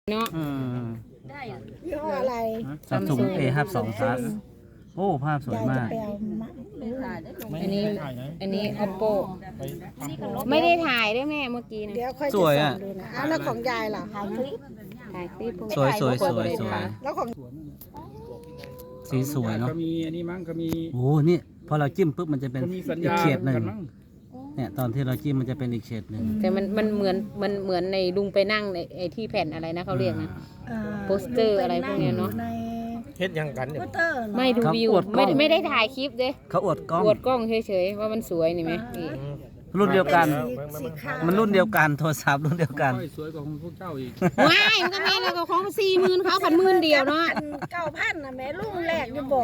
เนาะยี่ห้ออะไร Samsung A52 Plus โอ้ภาพสวยมากยายจะไปเอามาอันนี้ Oppo ไม่ได้ถ่ายด้วยแม่เมื่อกี้นะเดี๋ยวค่อยจะสวยส่อะงดูนะแล้วของยายล่ะถ่ายคลิปสวยสวยสวยสวยแล้วของสีสวยเนาะก็มีอันนี้มั้งก็มีโอ้นี่พอเราจิ้มปุ๊บมันจะเป็นก็มีสัญอีกญาเฉดหนึ่งกันมั้งเนี่ยตอนที่เราจิ้มมันจะเป็นอีกเฉดหนึ่งแต่มันเหมือนในลุงไปนั่งในไอ้ที่แผ่นอะไรนะเขาเรียกนะ โปสเตอร์อะไรพวกเนี้ยเนอะในเฮ็ดยังกันเนี่ยโปสเตอร์เหรอไม่ดูวิวไม่ได้ถ่ายคลิปเด้เขาอวดกล้องอวดกล้องเฉยๆว่ามันสวยนี่ไหมนี่รุ่นเดียวกันสีขาวมันรุ่นเดียวกันโทรศัพท์รุ่นเดียวกันค่อยสวยกว่าของพวกเจ้าอีกว้ายมันก็แม่แล้วก็ของ40,000เขา1,000เดียวเนาะ 9,000นะแม่ลุงแรกอยู่บอก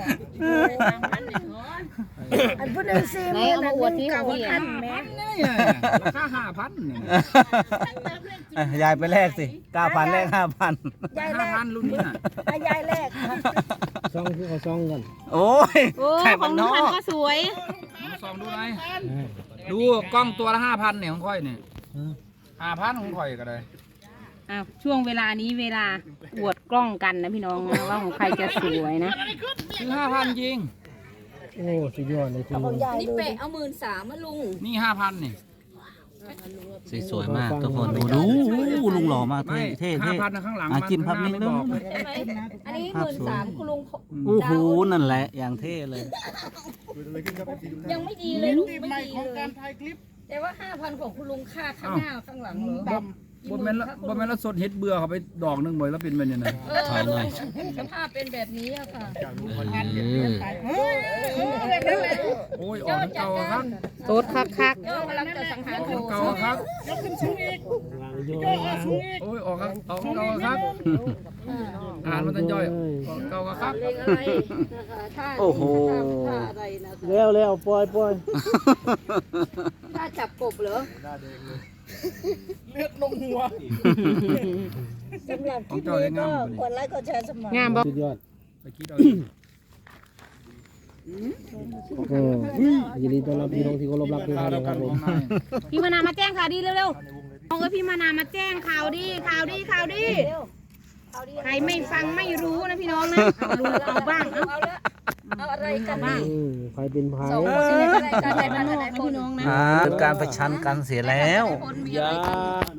อันพูดหนึ่ง40,000อันหนึ่ง9,000แม่เนี่ยราคา5,000เนี่ยยายไปแลกสิ 9,000 แลก 5,000 ยายแรก 5,000รุ่นนี้น่ะยายแรกซ่องคือเขาซ่องกันโอ้ยโอ้ไข่ขมัอน งนลุงอพันกก็สวยมาส่องดูหน่อยดูกล้องตัวละ5,000เนี่ยของค่อยเนี่ย5,000ของค่อยก็ได้อ้าวช่วงเวลานี้เวลาอวดกล้องกันนะพี่น้องนะว่าของใครจะสวยนะคือ5,000จริงโอ้สุดยอดเลยคุณขลุองงยายนี่ดูเปะเอา13,000มาลุงนี่5,000นี่สีสวยมากทุกคนดูลุงหล่อมากไม่เท่เท่ 5,000นะข้างหลังจิ้มพับนิดไม่นึบงอกใช่ไหมอันนี้ภาพสวย 13,000คุณลุงโอ้โหนั่นแหละอย่างเท่เลยยังไม่ดีเลยลุงไม่ดีเลยแต่ว่า 5,000ของคุณลุงค่าข้างหน้าข้างหลังเหรอบนแม่นแล้วสดเฮ็ดเบื่อเขาไปดอกหนึงบ่อยแล้วเป็นแบบนี้นะถอยหน่อยสภาพเป็นแบบนี้อะค่ะโอ้ยออกทั้งเก่าอะครับโตดคักก็กำลังจะสังหารออกโถทั้งเก่าอะครับโอ้ยออกครับออกทั้งเก่าอะครับอ่านมันจะย่อยออกเก่าอะครับเลขอะไรท่าโอ้โหท่าอะไรนะแล้วปล่อยท่าจับกบเหรอสำหรับคลิปนี้ก็กดไลค์กดแชร์สมัครๆงามบ่สุดยอดไปคิดเอายินดีต้อนรับพี่น้องที่เคารพรักทุกท่านแล้นะวคกัรันบขผอมงนายพี่มานามาแจ้งข่าวดีเร็วๆเอาพี่มานามาแจ้งข่าวดีใครไม่ฟังไม่รู้นะพี่น้องนะเอารู้เอาบ้างเอาเอาอะไรกันดีใครเป็นพายสองคนนี้อะไรกันใครไหนบ้านนบ้าอกไหนนะคนพี่น้องนะเป็นการประชันกันเสียแล้วคนมีอะไรกัน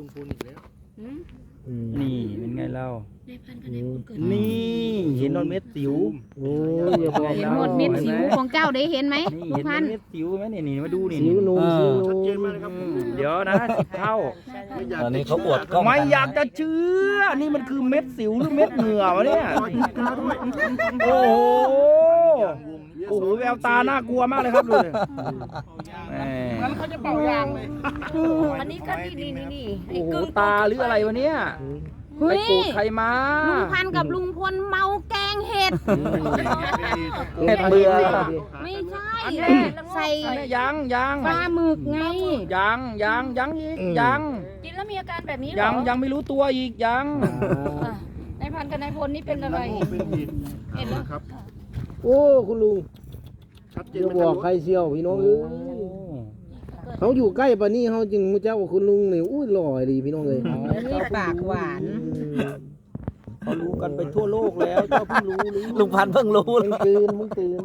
นี่นี่เป็นไงเล่านี่นี่เห็นนอนเม็ดสิวโอ้ยอย่าบอกเห็นหมดเม็ดสิวของเจ้าได้เห็นไหมนี่ลูกเห็นพันธุ์เม็ดสิวไหมนี่มาดูนี่สิวนูนสิวนูนเดี๋ยวนะ10 เท่าตอนนี้เขาอวดกล้องไม่กันอยากจะเชื่อ นี่มันคือเม็ดสิวหรือเม็ดเหงื่อวะเนี่ย โอ้โห โอ้โหแววตาน่ากลัวมากเลยครับดูดิแหมอันนี้ก็นี่โอ้โหตาหรืออะไรวะเนี่ยเฮ้ไปยโกรธใครมาลุงพันธุ์กับลุงพลเมาแกงเห็ดเห็ดเบื่อไม่ใช่ใส่ยังปลาหมึกไงยังอีกยังกินแล้วมีอาการแบบนี้เหรอยังไม่รู้ตัวอีกยังนายพันกับนายพลนี่เป็นอะไรเห็นแล้วโอ้คุณลุงจะบอกใครเชียวพี่น้องเอ้ยเขาอยู่ใกล้ปะนี่เขาจึงรู้จักว่าคุณลุงนี่อุ้ยหล่อดีพี่น้องเลยนี่ปากหวานเขารู้กันไปทั่วโลกแล้วเจ้าเพิ่งรู้หรือลุงพันธุ์เพิ่งรู้มึงตื่น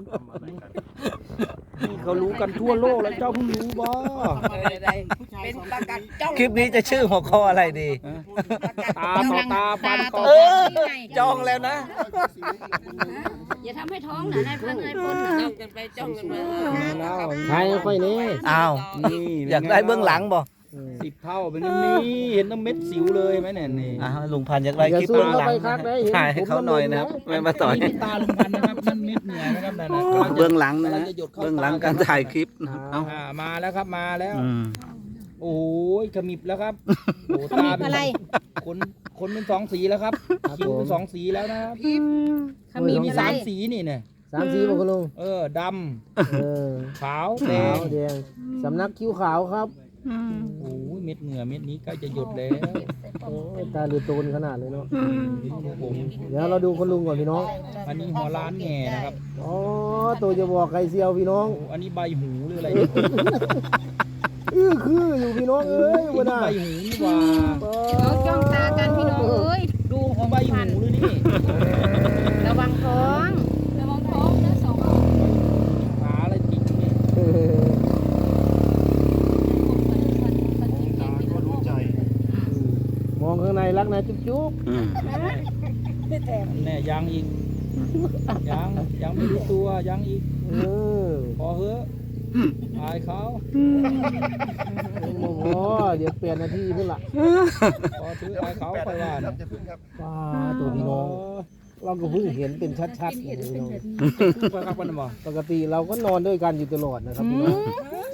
นี่เขารู้กันทั่วโลกแล้วเจ้าเพิ่งรู้บ่เป็นประกัดจ้องคลิปนี้จะชื่อหัวข้ออะไรดีตาต่อตาฟันต่อเออ จองแล้วนะอย่าทำให้ท้องนะนายพันนายพลจ้องกันไปจ้องกันมาใครค่อยนี่อ้าวนี่อยากได้เบื้องหลังบ่ 10 เท่าเป็นนี่เห็นน้ำเม็ดสิวเลยไหมเนี่ยนี่อ้าวลุงพันธุ์อยากได้อย่าคลิปซูมเบื้องหลังเข้าไปครับได้เห็นถ่ายให้เขาหน่อยนะครับไม่มาต่อยนี่ตาลุงพันธุ์นะครับนั่นเม็ดเหงื่อนะครับนั่นนะเบื้องหลังนะฮะเบื้องหลังการถ่ายคลิปนะครับเอามาแล้วครับมาแล้วอืมโอ้ยขมิบแล้วครับโอ้ขมิบอะไรคนเป็น2 สีแล้วครับคิ้วเป็น2 สีแล้วนะครับขมิ้นมีอะไร 3 สีนี่เนี่ย 3 สีบอกคุณลุงดเออำขาวแดขาง วแดงสำนักคิ้วขาวครับโอ้ยเม็ดเหงื่อเม็ดนี้ใกล้จะหยดแล้วโอ้ยตาลือโตนขนาดเลยเนาะผมเดี๋ยวเราดูคุณลุงก่อนพี่น้องอันนี้หัวล้านแง่นะครับอ๋อตัวจะบอกใครเซียวพี่น้องโอ้อันนี้ใบหูหรืออะไรเนี่ยคืออยู่พี่น้องเอ้ยอันวันนี้น่ะใบหูนี่หว่าเขาจ้องตากันพี่น้องเอ้ยดูหรักนะจุ๊บจุ๊บอืมแน่ยังอีกยังไม่รู้ตัวยังอีกเออพอเฮ้อะอายเขาโอ้โหเดี๋ยวเปลี่ยนนาทีพุ่นละพอถืออายเขาไปว่านะว้าตัวพี่น้องเราก็เพิ่งเห็นเป็นชัดๆเลยพี่น้องไปครับวันนี้บ่ปกติเราก็นอนด้วยกันอยู่ตลอดนะครับพี่น้อง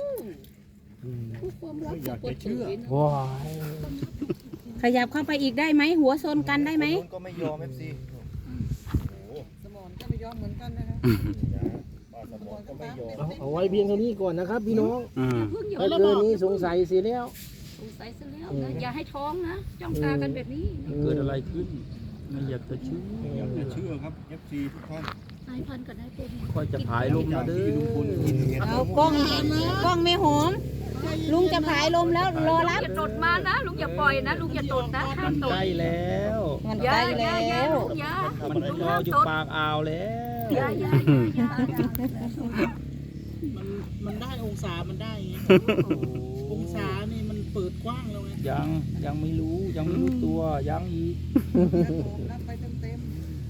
ว้ายขยับเข้าไปอีกได้ไหมหัวโซนกันได้ไหมก็ไม่ยอม FC เอาไว้เพียงเท่านี้ก่อนนะครับพี่น้องอืมถ้าเกินนี้สงสัยเสียแล้วสงสัยซะแล้วนะอย่าให้ท้องนะจ้องตากันแบบนี้เกิดอะไรขึ้นไม่อยากจะเชื่ออย่าเชื่อครับ FC ทุกท่านสายพันธุ์ก็ได้เป็นค่อยจะผายลมนะเด้อเอากล้องไม่หอม ลุงจะผายลมแล้วรอรับอย่าตดมานะลุงอย่าปล่อยนะลุงอย่าตดนะห้ามตดใกล้แล้วมันอย่าใกล้อย่าแล้อย่าว ลุงอย่ามันลุงรอห้ามอยู่ตดปากอ่าวแล้วอย่ามันได้องศามันได้ไง องศานี่มันเปิดกว้างแล้วไงยังไม่รู้ตัวยังอีกรับไปเต็ม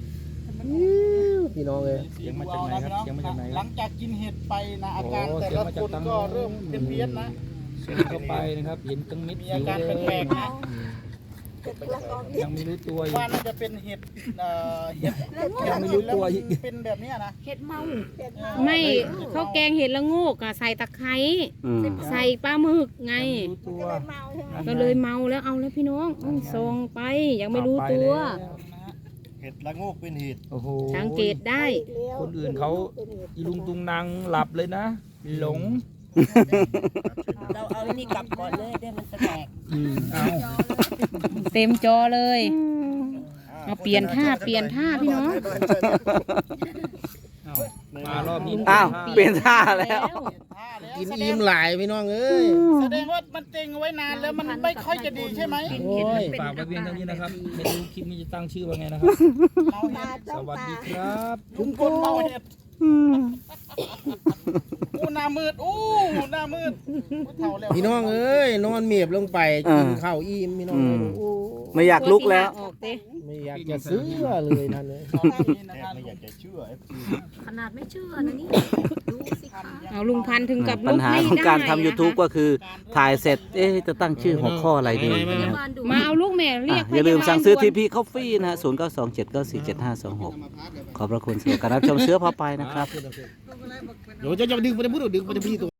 พี่น้องเลยเสียงมาจากไหนครับเสียงมาจากไหนหลังจากกินเห็ดไปนะอาการแต่ละคนก็เริ่มเป็นเพี้ยนนะเสียงเข้าไปนะครับเห็นตั้งเม็ดมีสิอาว การเลยแปลกๆนะยังไม่รู้ตัวอีว่าก น่าจะเป็นเห็ดเห็ดยังไม่รู้ตัวอีกเป็นแบบเนี้ยนะเห็ดเมาไม่เขาแกงเห็ดละโงกอะใส่ตะไคร้อืมใส่ปลาหมึกไงรู้ตัวก็เลยเมาแล้วเอาแล้วพี่น้องส่งไปยังไม่รู้ตัวเห็ดละโงกเป็นเห็ดโอ้โหสังเกตได้คนอื่นเขาอีลุงตุงนางหลับเลยนะ หลงเราเอานี่กลับก่อนเลยเดี๋ยวมันจะแตกเอาเต็มจอเลยเอาเปลี่ยนท่าพี่น้องมารอบนี้อ้าวเปลี่ยนท่าแล้วกินอิ่มหลายพี่น้องเอ้ยแสดงว่ามันเต็งเอาไว้นานแล้วมันไม่ค่อยจะดีใช่ไหมโอ้ยฝากไว้เพียงเท่านี้นะครับไม่รู้คลิปนี้จะตั้งชื่อว่าไงนะครับเมาเห็ดสวัสดีครับลุงพลเมาเห็ดอู้หน้ามืดอู้หน้ามืดเท่าแล้วพี่น้องเอ้ยนอนเมียบลงไปกินข้าวอิ่มพี่น้องเอ้ยโอ้ไม่อยากลุกแล้วออกเต้ไม่อยากจะซื้อเลยท่านเลยตอนนี้นะแทครับไม่อยากจะเชื่อ FC ขนาดไม่เชื่อนะนี่ดูสิคะเอาลุงพันธุ์ถึงกับปัลุญกหาไม่ของได้การทำนะคะ YouTube ก็คือถ่ายเสร็จ จะตั้งชื่อหัวข้ออะไรดีนะครับบ้านดูมาเอาลูกแม่เรียกอย่าลืมสั่งซื้อพยาบาล TP Coffee นะฮะ0927947526 ขอบพระคุณสำหรับการรับชมเสื้อผ้าไปนะครับเดี๋ยวจะดึงไปพูดดึงไปที่ตัว